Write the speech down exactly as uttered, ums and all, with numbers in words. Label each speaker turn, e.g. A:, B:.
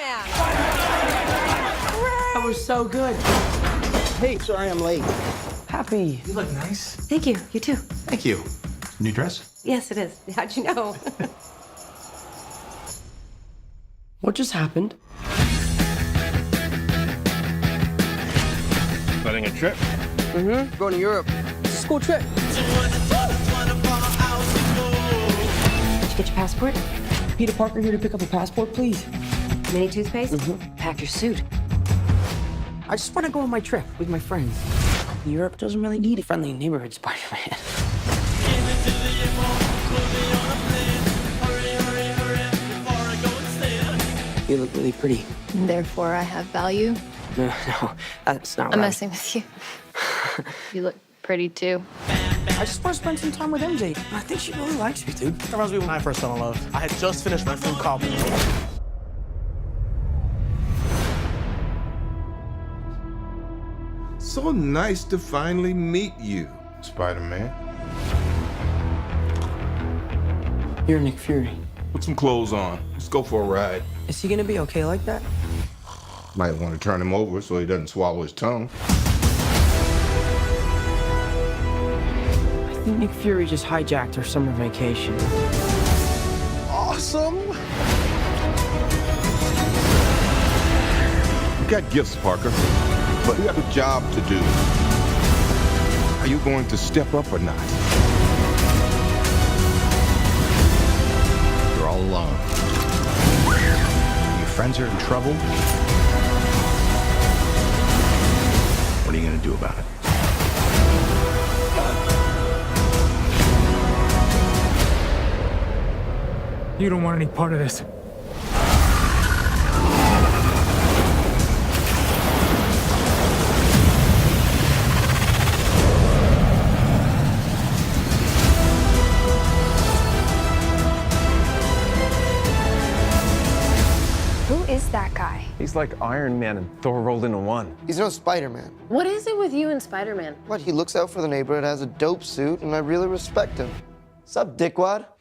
A: Spider-Man.
B: That was so good.
C: Hey, sorry I'm late.
B: Happy.
D: You look nice.
A: Thank you. You too.
D: Thank you. New dress?
A: Yes, it is. How'd you know?
B: What just happened?
D: Planning a trip?
B: Mm-hmm. Going to Europe. It's a school trip.
A: Did you get your passport?
B: Peter Parker here to pick up a passport, please.
A: Mini toothpaste?
B: Mhm.
A: Pack your suit.
B: I just want to go on my trip with my friends. Europe doesn't really need a friendly neighborhood Spider-Man. You look really pretty.
E: Therefore, I have value.
B: No, no, that's not
E: I'm
B: right.
E: messing with you. You look pretty too.
B: I just want to spend some time with M J. I think she really likes me, dude.
F: That reminds me when I first fell in love. I had just finished my food copy.
G: So nice to finally meet you, Spider-Man.
B: You're Nick Fury.
G: Put some clothes on. Let's go for a ride.
B: Is he gonna be okay like that?
G: Might want to turn him over so he doesn't swallow his tongue.
B: I think Nick Fury just hijacked our summer vacation.
G: Awesome! You got gifts, Parker, but you have a job to do. Are you going to step up or not?
D: You're all alone. Your friends are in trouble. What are you gonna do about it?
F: You don't want any part of this.
E: Who is that guy?
H: He's like Iron Man and Thor rolled into one.
C: He's no Spider-Man.
A: What is it with you and Spider-Man?
C: What, he looks out for the neighborhood, has a dope suit, and I really respect him. Sup, dickwad?